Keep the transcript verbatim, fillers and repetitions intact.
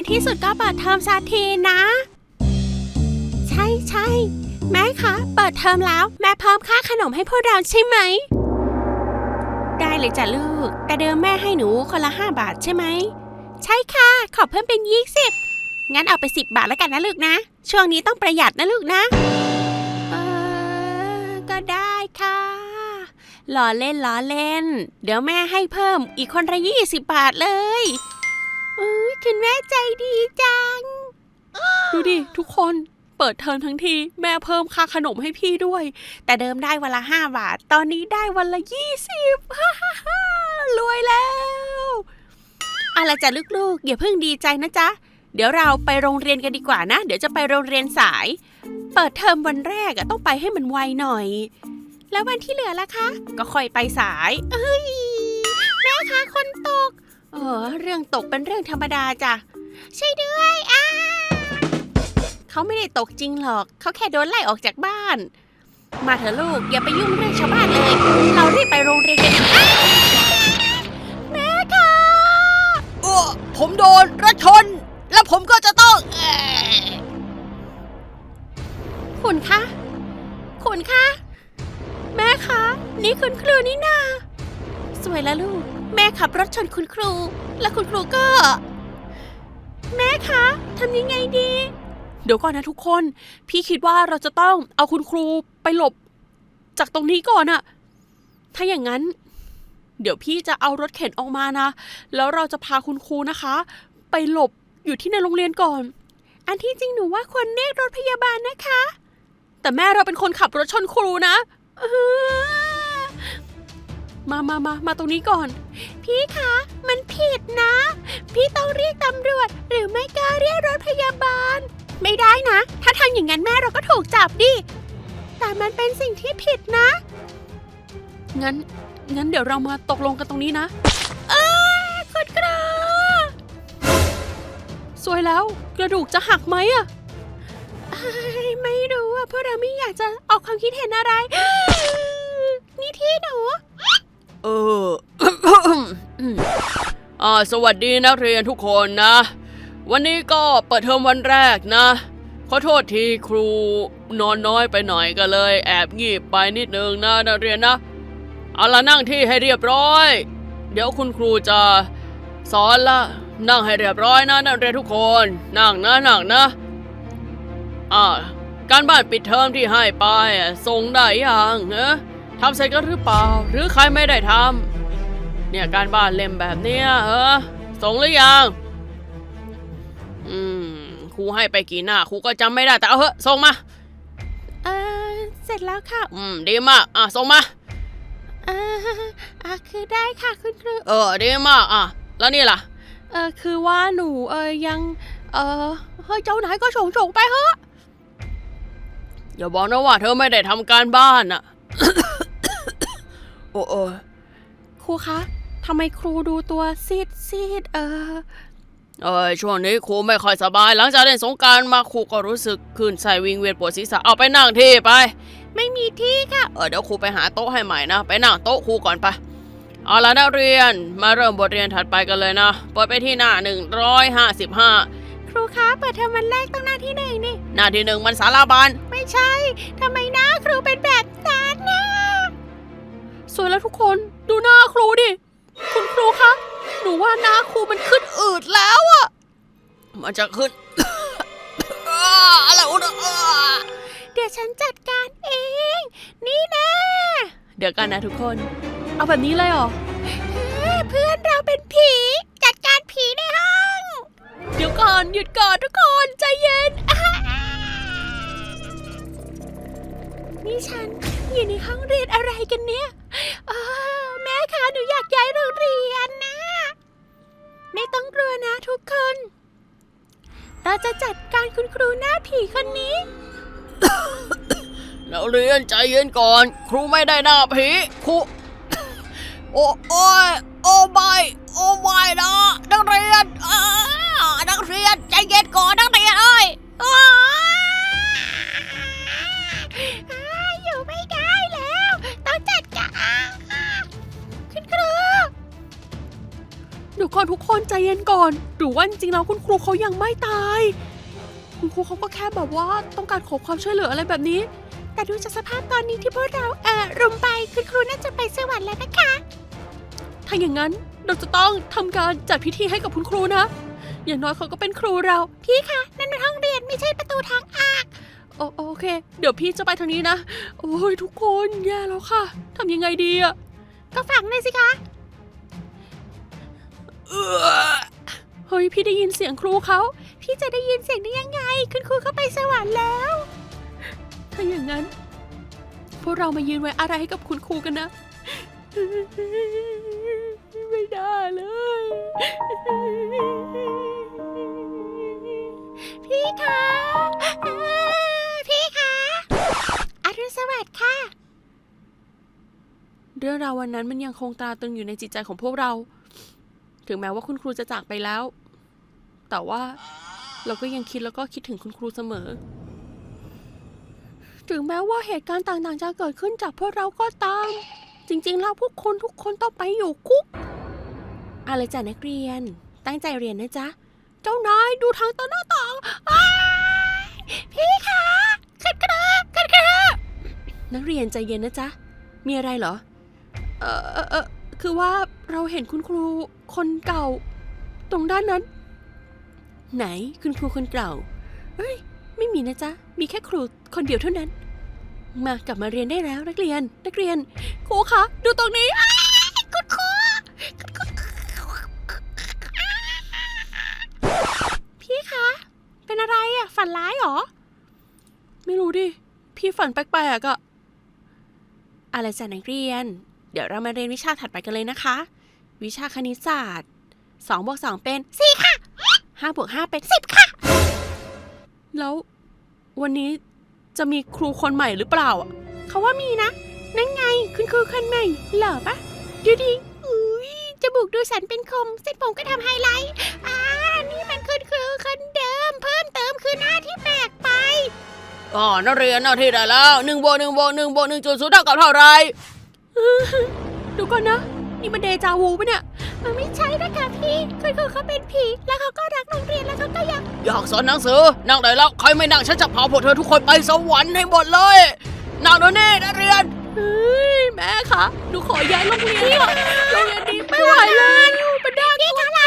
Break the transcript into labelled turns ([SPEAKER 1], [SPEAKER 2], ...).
[SPEAKER 1] ที่สุดก็เปิดเทอมสักทีนะใช่ใช่แม่คะเปิดเทอมแล้วแม่เพิ่มค่าขนมให้พวกเราใช่ไหมได้เลยจ้ะลูกแต่เดิมแม่ให้หนูคนละห้าบาทใช่ไหมใช่ค่ะขอเพิ่มเป็นยี่สิบงั้นเอาไปสิบบาทแล้วกันนะลูกนะช่วงนี้ต้องประหยัดนะลูกนะเออก็ได้ค่ะล้อเล่นล้อเล่นเดี๋ยวแม่ให้เพิ่มอีกคนละยี่สิบบาทเลยเออคุณแม่ใจดีจังดูดิทุกคนเปิดเทอมทั้งทีแม่เพิ่มค่าขนมให้พี่ด้วยแต่เดิมได้วันละห้าบาทตอนนี้ได้วันละยี่สิบฮ่าฮ่าฮ่ารวยแล้วอะไรจ้ะลูกๆอย่าเพิ่งดีใจนะจ๊ะเดี๋ยวเราไปโรงเรียนกันดีกว่านะเดี๋ยวจะไปโรงเรียนสายเปิดเทอมวันแรกอะต้องไปให้มันไวหน่อยแล้ววันที่เหลือล่ะคะก็ค่อยไปสายเอ้ยแม่คะคนตกเออเรื่องตกเป็นเรื่องธรรมดาจ้ะใช่ด้วยอ้าเขาไม่ได้ตกจริงหรอกเขาแค่โดนไล่ออกจากบ้านมาเถอะลูกอย่าไปยุ่งเรื่องชาวบ้านเลยเรารีบไปโรงเรียนกันดีกว่าแม่คะโอ้ผมโดนรถชนแล้วผมก็จะต้องคุณคะคุณคะแม่คะนี่คุณครูนี่นาสวยแล้วลูกแม่ขับรถชนคุณครูแล้วคุณครูก็แม่คะทำยังไงดีเดี๋ยวก่อนนะทุกคนพี่คิดว่าเราจะต้องเอาคุณครูไปหลบจากตรงนี้ก่อนอะถ้าอย่างนั้นเดี๋ยวพี่จะเอารถเข็นออกมานะแล้วเราจะพาคุณครูนะคะไปหลบอยู่ที่ในโรงเรียนก่อนอันที่จริงหนูว่าควรเรียกรถพยาบาลนะคะแต่แม่เราเป็นคนขับรถชนครูนะมามามามาตรงนี้ก่อนพี่คะมันผิดนะพี่ต้องเรียกตำรวจหรือไม่ก็เรียกรถพยาบาลไม่ได้นะถ้าทำอย่างนั้นแม่เราก็ถูกจับดิแต่มันเป็นสิ่งที่ผิดนะงั้นงั้นเดี๋ยวเรามาตกลงกันตรงนี้นะเออคุณครูสวยแล้วกระดูกจะหักไหมอะไม่รู้อะเพราะเราไม่อยากจะออกความคิดเห็นอะไรนี่ที่หนูเออ อ่าสวัสดีนักเรียนทุกคนนะวันนี้ก็เปิดเทอมวันแรกนะขอโทษทีครูนอนน้อยไปหน่อยก็เลยแอบงีบไปนิดนึงนะนักเรียนนะเอาล่ะนั่งที่ให้เรียบร้อยเดี๋ยวคุณครูจะสอนละนั่งให้เรียบร้อยนะนักเรียนทุกคนนั่งนะนั่งนะอ่าการบ้านปิดเทอมที่ให้ไปส่งได้ยังเอ๊ะทำเสร็จกันหรือเปล่าหรือใครไม่ได้ทำเนี่ยการบ้านเล่มแบบเนี้ยเออส่งหรือยังอืมครูให้ไปกี่หน้าครูก็จำไม่ได้แต่เอาเถอะส่งมาเออเสร็จแล้วค่ะอืมดีมากอ่ะส่งมาเอออ่ะคือได้ค่ะคุณครูเออดีมากอ่ะแล้วนี่ล่ะเออคือว่าหนูเออยังเออเฮ้ยเจ้าไหนก็ส่งส่งไปเถอะอย่าบอกนะว่าเธอไม่ได้ทำการบ้านอ่ะ โอ้โอ้ครูคะทำไมครูดูตัวซีดซีดเออเออช่วงนี้ครูไม่ค่อยสบายหลังจากเล่นสงกรานต์มาครูก็รู้สึกคลื่นไส้วิงเวียนปวดศีรษะเอาไปนั่งที่ไปไม่มีที่ค่ะเออเดี๋ยวครูไปหาโต๊ะให้ใหม่นะไปนั่งโต๊ะครูก่อนไปเอาล่ะนักเรียนมาเริ่มบทเรียนถัดไปกันเลยนะเปิดไปที่หน้าหนึ่งร้อยห้าสิบห้าครูคะเปิดเทอมวันแรกต้องหน้าที่ไหนนี่หน้าที่หนึ่งมันสาราบานไม่ใช่ทำไมหน้าครูเป็นแบบนั้นนะสวยแล้วทุกคนดูหน้าครูดิคุณครูคะหนูว่าหน้าครูมันขึ้นอืดแล้วอะมันจะขึ้น อะไรวะเดี๋ยวฉันจัดการเองนี่นะเดี๋ยวกันนะทุกคนเอาแบบนี้เลยเหรอเพื่อนเราเป็นผีจัดการผีในห้องเดี๋ยวก่อนหยุดก่อนทุกคนใจเย็นนี่ฉันอยู่ในห้องเรียนอะไรกันเนี่ยแม่คะหนูอยากย้ายโรงเรียนนะไม่ต้องกลัวนะทุกคนเราจะจัดการคุณครูหน้าผีคนนี้ นักเรียนใจเย็นก่อนครูไม่ได้หน้าผีครูโอ้โอ้ยโอ้ไม่โอ้ไม่นะนักเรียนนักเรียนใจเย็นก่อนนักเรียนเอ้ยอยู่ไม่ได้แล้วต้องจัดการคุณครู เดี๋ยวก่อนทุกคนใจเย็นก่อนดูรือว่าจริงๆแล้วคุณครูเขายังไม่ตายคุณครูเขาก็แค่แบบว่าต้องการขอความช่วยเหลืออะไรแบบนี้แต่ดูจากสภาพตอนนี้ที่พวกเราเอ่อรุมไปคุณครูน่าจะไปสวรรค์แล้วนะคะถ้าอย่างนั้นเราจะต้องทำการจัดพิธีให้กับคุณครูนะอย่างน้อยเขาก็เป็นครูเราพี่คะนั่นเป็นห้องเรียนไม่ใช่ประตูทางออกโอโอเคเดี๋ยวพี่จะไปทางนี้นะโอ้ยทุกคนแย่แล้วค่ะทำยังไงดีอะก็ฝังเลยสิคะเฮ้ยพี่ได้ยินเสียงครูเขาพี่จะได้ยินเสียงได้ยังไงคุณครูเขาไปสวรรค์แล้วถ้าอย่างนั้นพวกเรามายืนไว้อะไรให้กับคุณครูกันนะไม่ได้เลยพี่คะพี่คะอรุณสวัสดิ์ค่ะเรื่องราววันนั้นมันยังคงตราตรึงอยู่ในจิตใจของพวกเราถึงแม้ว่าคุณครูจะจากไปแล้วแต่ว่าเราก็ยังคิดแล้วก็คิดถึงคุณครูเสมอถึงแม้ว่าเหตุการณ์ต่างๆจะเกิดขึ้นจากพวกเราก็ตามจริงๆแล้วพวกคนทุกคนต้องไปอยู่คุกอะไรจ้ะนักเรียนตั้งใจเรียนนะจ๊ะเจ้านายดูทางต้นหน้าต่างพี่คะขึ้นกระขึ้นกระนักเรียนใจเย็นนะจ๊ะมีอะไรเหรอเออเออเออคือว่าเราเห็นคุณครูคนเก่าตรงด้านนั้นไหนคุณครูคนเก่าเฮ้ยไม่มีนะจ๊ะมีแค่ครูคนเดียวเท่านั้นมากลับมาเรียนได้แล้วนักเรียนนักเรียนครูคะดูตรงนี้คุณครูพี่คะเป็นอะไรอะฝันร้ายหรอไม่รู้ดิพี่ฝันแปลกๆอะอะไรจ้ะนักเรียนเดี๋ยวเรามาเรียนวิชาถัดไปกันเลยนะคะวิชาคณิตศาสตร์สองบวกสองเป็นสี่ค่ะห้าบวกห้าเป็นสิบค่ะแล้ววันนี้จะมีครูคนใหม่หรือเปล่าอ่ะเขาว่ามีนะนั่นไงคุณครูคนใหม่หล่อปะดูดิอุ้ยจมูกดูสันเป็นคมเส้นผมก็ทำไฮไลท์อ่านี่มันคุณครูคนเดิมเพิ่มเติมคือหน้าที่แปลกไปอ๋อนักเรียนหน้าที่ได้แล้วหนึ่งบวกหนึ่งบวกหนึ่งบวกหนึ่งจุดศูนย์เท่ากับเท่าไรดูก่อนนะนี่มันเดจาวูปะเนี่ยมันไม่ใช่นะคะพี่คุณครูเขาเป็นผีแล้วเขาก็รักโรงเรียนแล้วเขาก็อยากอยากสอนหนังสือนั่งได้แล้วใครไม่นั่งฉันจะพาพวกเธอทุกคนไปสวรรค์ให้หมดเลยนั่งเดี๋ยวนี้นักเรียนเฮ้ยแม่คะหนูขอย้ายโรงเรียนโรงเรียนนี้ไม่ไหวเลยมันน่ากลัว